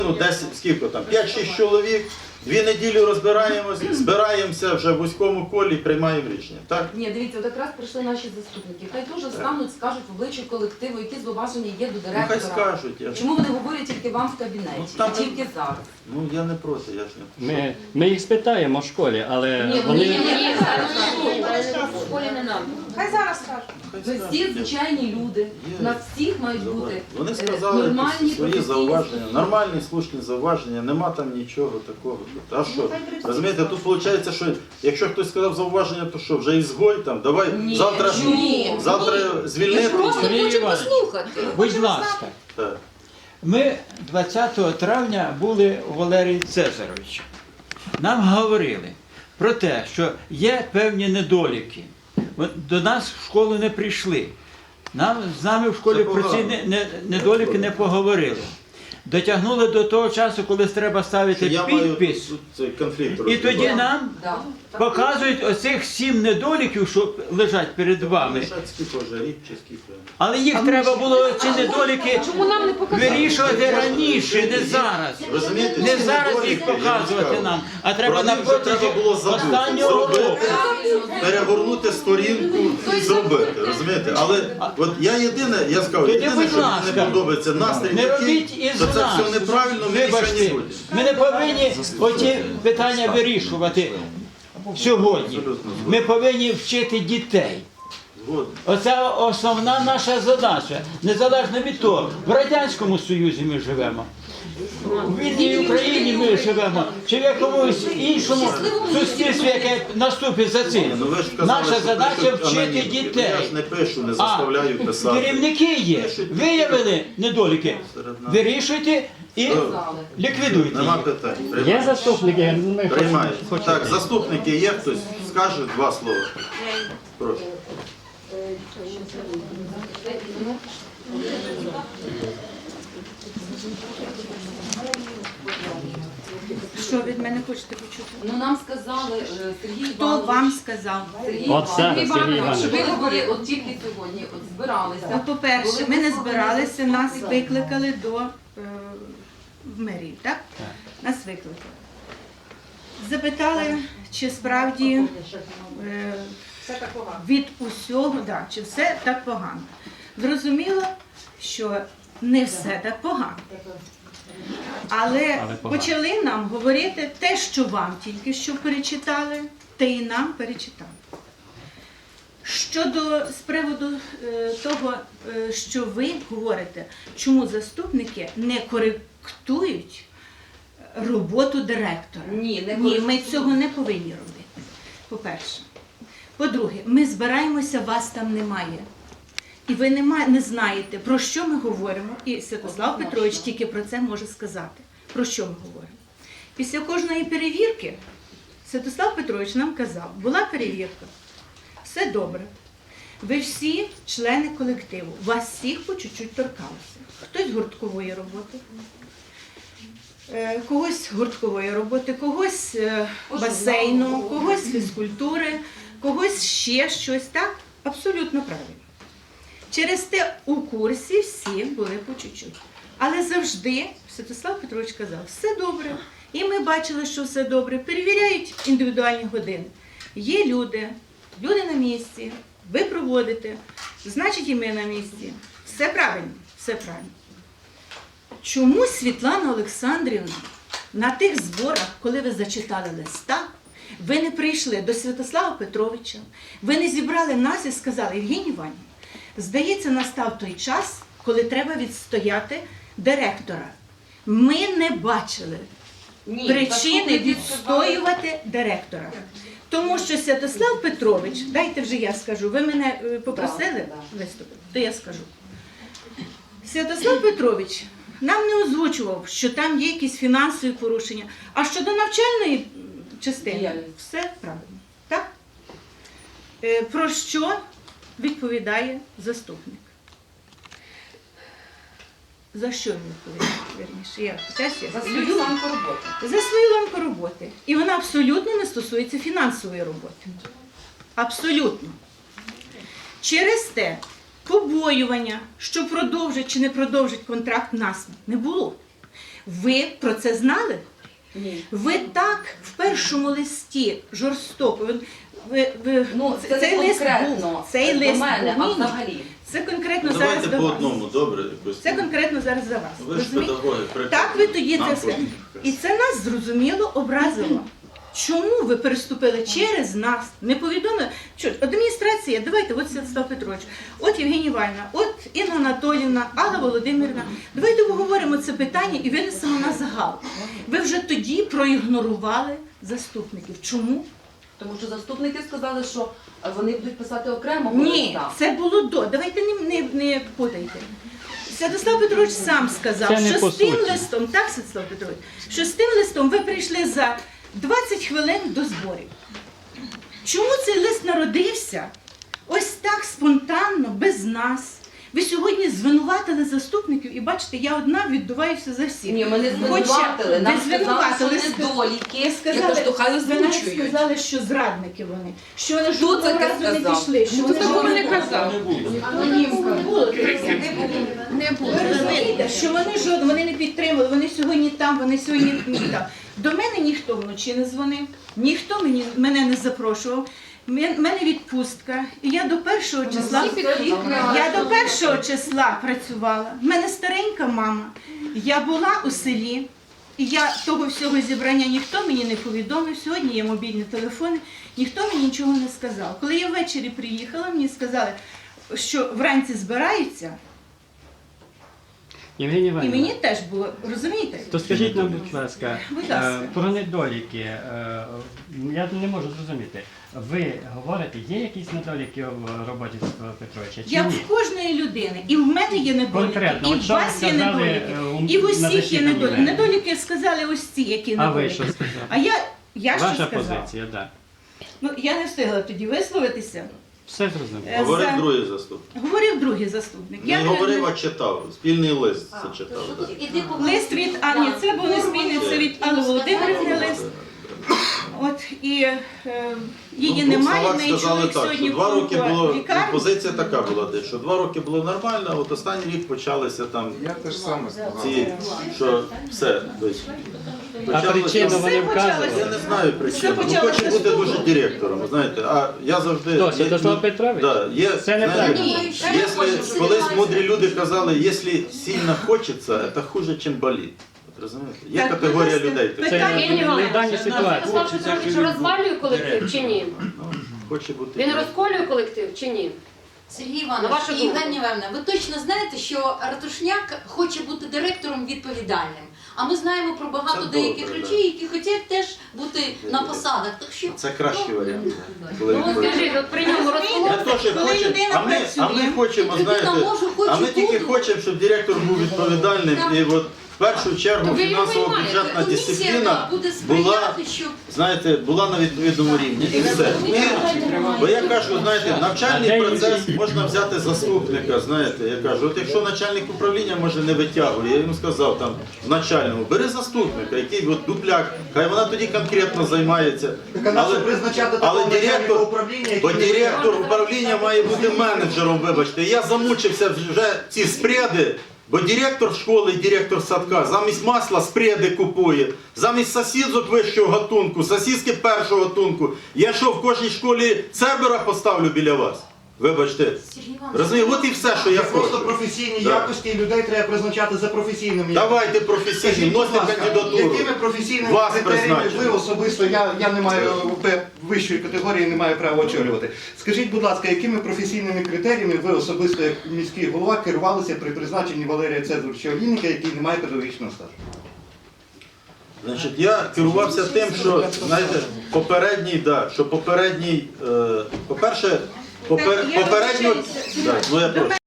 10, скільки там, 5-6 чоловік, 2 неділі розбираємося, збираємося вже в вузькому колі і приймаємо рішення. Так? Ні, дивіться, от якраз прийшли наші заступники. Хай теж встануть, скажуть в обличчя колективу, які зловаження є до Ну, директора. хай скажуть. Чому вони говорять тільки вам в кабінеті, Ну, там- тільки зараз? Ну, я не проти, я ж не... Ми їх спитаємо в школі, але Ні, вони... в школі не нам. Хай зараз скажуть. Хай Ви скажуть. всі звичайні люди, у нас всіх мають бути Вони сказали нормальні, якісь свої професійні зауваження, нормальні, слушні зауваження, нема там нічого такого. А що? Розумієте, тут виходить, що якщо хтось сказав зауваження, то що, вже ізгой там, давай Ні, завтра звільнити. Сергій Іванович, будь ласка, Так. Ми 20 травня були у Валерії Цезаровича. Нам говорили про те, що є певні недоліки. От до нас в школу не прийшли. З нами в школі Це про ці погано. недоліки не поговорили. Дотягнули до того часу, коли треба ставити Я маю підпис. тут цей конфлікт І тоді розбивати. нам Да. показують оцих 7 недоліків, що лежать перед вами. Лишать скільки вже, рік чи скільки. Але їх треба було, ці недоліки, вирішувати раніше, не зараз. Розумієте, Не ці зараз недоліки, їх я вам показувати скажу, нам, а треба про на них вже треба протязі було забути, останнього року. зробити, перегорнути сторінку і зробити, розумієте? Але от я єдине, я скажу, Тоді, єдине, будь що мені ласка, не подобається настрій Не такий, робіть із що це нас. все неправильно, ми нічого не Вибачте, будемо. ми не повинні оці питання вирішувати сьогодні. Ми повинні вчити дітей. Згоден. Оце основна наша задача. Незалежно від того, в Радянському Союзі ми живемо, в вільній Україні ми живемо, чи в якомусь іншому суспільстві, яке наступить за цим. Ну, ви ж казали, Наша що задача пишуть вчити анонімки. дітей. Я ж не пишу, не А заставляю писати. керівники є, виявили недоліки, вирішуйте і ліквідуйте Нема їх. питань. Є Приймають. заступники? Ми Приймають. хочемо. Так, заступники є хтось? Скаже 2 слова. Прошу. Що від мене хочете почути? Ну нам сказали, Сергій Хто Іванович, вам сказав? От це, Сергій що Іванович. ви говорили, от тільки сьогодні от збиралися. Ну, по-перше, ми не збиралися, нас викликали в мерію, так? Нас викликали. Запитали, чи справді від усього, да, чи все так погано. Зрозуміло, що не все так погано. Але погано. почали нам говорити те, що вам тільки що перечитали, те і нам перечитали. З приводу того, що ви говорите, чому заступники не коректують роботу директора. Ні, Ми цього не повинні робити, по-перше. По-друге, ми збираємося, вас там немає. І ви не знаєте, про що ми говоримо. І Святослав Петрович тільки про це може сказати. Про що ми говоримо. Після кожної перевірки Святослав Петрович нам казав, була перевірка, все добре. Ви всі члени колективу, вас всіх по чуть-чуть торкалося. Хтось гурткової роботи, когось гурткової роботи, когось басейну, когось фізкультури, когось ще щось. Так? Абсолютно правильно. Через те у курсі всі були по чуть-чуть. Але завжди Святослав Петрович казав, все добре. І ми бачили, що все добре. Перевіряють індивідуальні години. Є люди на місці, ви проводите, значить і ми на місці. Все правильно, все правильно. Чому Світлана Олександрівна на тих зборах, коли ви зачитали листа, ви не прийшли до Святослава Петровича, ви не зібрали нас і сказали, Євгенія Іванівна, здається, настав той час, коли треба відстояти директора. Ми не бачили причини відстоювати директора. Тому що Святослав Петрович, дайте вже я скажу, ви мене попросили виступити, то я скажу. Святослав Петрович нам не озвучував, що там є якісь фінансові порушення, а щодо навчальної частини, все правильно. Так? Про що відповідає заступник? За що він відповідає? Вірніше, За свою ланку роботи. За свою ланку роботи. І вона абсолютно не стосується фінансової роботи. Абсолютно. Через те побоювання, що продовжить чи не продовжить контракт, нас не було. Ви про це знали? Ні. Ви так в першому листі жорстоко. Ну, це цей не лист конкретно був, цей до лист мене, був. а Ні, ні. взагалі. Це конкретно Давайте зараз до по вас. одному, добре? Якось. Це конкретно зараз за вас. Ви ж Розумієте? педагоги, Так ви тоді нам це все. потрібно. І це нас зрозуміло образило. Чому ви переступили через нас, не повідомили? Що адміністрація, давайте, от Святослав Петрович, от Євгенія Іванівна, от Інна Анатоліївна, Алла Володимирівна. Давайте обговоримо це питання і винесемо на загал. Ви вже тоді проігнорували заступників. Чому? Тому що заступники сказали, що вони будуть писати окремо. Ні, це було до. Давайте не путайте. Святослав Петрович сам сказав, Це не що по з тим суті. листом, так, Святослав Петрович, що з тим листом ви прийшли за 20 хвилин до зборів. Чому цей лист народився ось так спонтанно, без нас? Ви сьогодні звинуватили заступників, і бачите, я одна віддуваюся за всіх. Ні, ми не Хоча звинуватили. Нам ви сказали, що звинуватили. недоліки. Ви Я кажу, то хай ви навіть озвучують. сказали, що зрадники вони, що вони Хто жодного це разу не сказав? пішли, що вони такого жодного не разу казав. Анонімка було таке. Ви розумієте, що вони жодного, вони не підтримали, вони сьогодні там, вони сьогодні там. До мене ніхто вночі не дзвонив, ніхто мене не запрошував. В мене відпустка, і я до 1 числа працювала. В мене старенька мама. Я була у селі, і я того всього зібрання ніхто мені не повідомив. Сьогодні є мобільні телефони, ніхто мені нічого не сказав. Коли я ввечері приїхала, мені сказали, що вранці збираються, Євгенія і Іванівна, мені теж було, розумієте? то скажіть нам, будь ласка, Будь ласка. про недоліки. Я не можу зрозуміти. Ви говорите, є якісь недоліки в роботі Святослава Петровича? Чи Як ні? в кожної людини, і в мене є недоліки, Конкретно, і от в що ви вас є сказали, недоліки, на і в усіх є засіданні недоліки. мене? Недоліки сказали ось ці, які А ви недоліки. що сказали? А я що Ваша сказала? позиція, так. Ну, я не встигла тоді висловитися. Все зрозуміло. Говорив за- другий заступник. Говорив другий заступник. Не говорив, а читав. Спільний лист це читав. да. Лист від Анні, це був не спільний, це від Алли Володимирівни лист. От, і її Ну, в двох немає, в словах неї сказали чоловік так, сьогодні що 2 роки було, лікарні. позиція така була десь, що 2 роки було нормально, а от останній рік почалися там Я теж саме сказав. ці, що все. Тобто, А почалося- причину вони Все вказували? Я не знаю причину. Все Ну, почалося хоче бути з того. дуже директором, знаєте. А я завжди... Хто, Святослав Петрович? Да, є, Це неправильно. знаєте, якщо, колись мудрі люди казали, якщо сильно хочеться, це хуже, ніж болить. От розумієте? Є Так, категорія будь ласка, людей. така. Це питання- не в даній ситуації. Святослав Петрович розвалює колектив чи ні? Хоче бути. Він розколює колектив чи ні? Сергій На Іванович вашу і думку. Євгенія Івановна, ви точно знаєте, що Ратушняк хоче бути директором відповідальним. А ми знаємо про багато Це деяких добре, людей, які хочуть теж бути на посадах. Так що Це кращий варіант. Коли Ну, він скажіть, от при ньому Не розколює. то, що Коли хоче, людина а ми працює, хочемо, людина знаєте, може, хоче а ми тільки бути. хочемо, щоб директор був відповідальним. І от в першу чергу То ви його фінансово-бюджетна комісія дисципліна буде була, сприяти, щоб знаєте, була на відповідному рівні. І все. Бо я кажу, знаєте, навчальний процес можна взяти заступника, знаєте, я кажу, от якщо начальник управління може не витягує, я йому сказав там в начальному, бери заступника, який от дупляк, хай вона тоді конкретно займається. Але директор, бо директор управління має бути менеджером, вибачте. Я замучився вже ці спреди, бо директор школи і директор садка замість масла спреди купує, замість сосісок вищого гатунку, сосиски першого гатунку. Я що, в кожній школі Цербера поставлю біля вас? Вибачте. Сергій Іванович, Розумієте, от і все, що я Просто хочу. професійні Да. якості людей треба призначати за професійними Давайте професійні, Скажіть, будь вносьте ласка, кандидатуру. якими професійними Вас критеріями призначено. ви особисто, я не маю вищої категорії, не маю права очолювати. Скажіть, будь ласка, якими професійними критеріями ви особисто, як міський голова, керувалися при призначенні Валерія Цезаровича Олійника, який не має педагогічного стажу? Значить, я керувався тим, що, знаєте, попередній, по-перше, Так, я попередньо, вибачаюся. ну я прошу.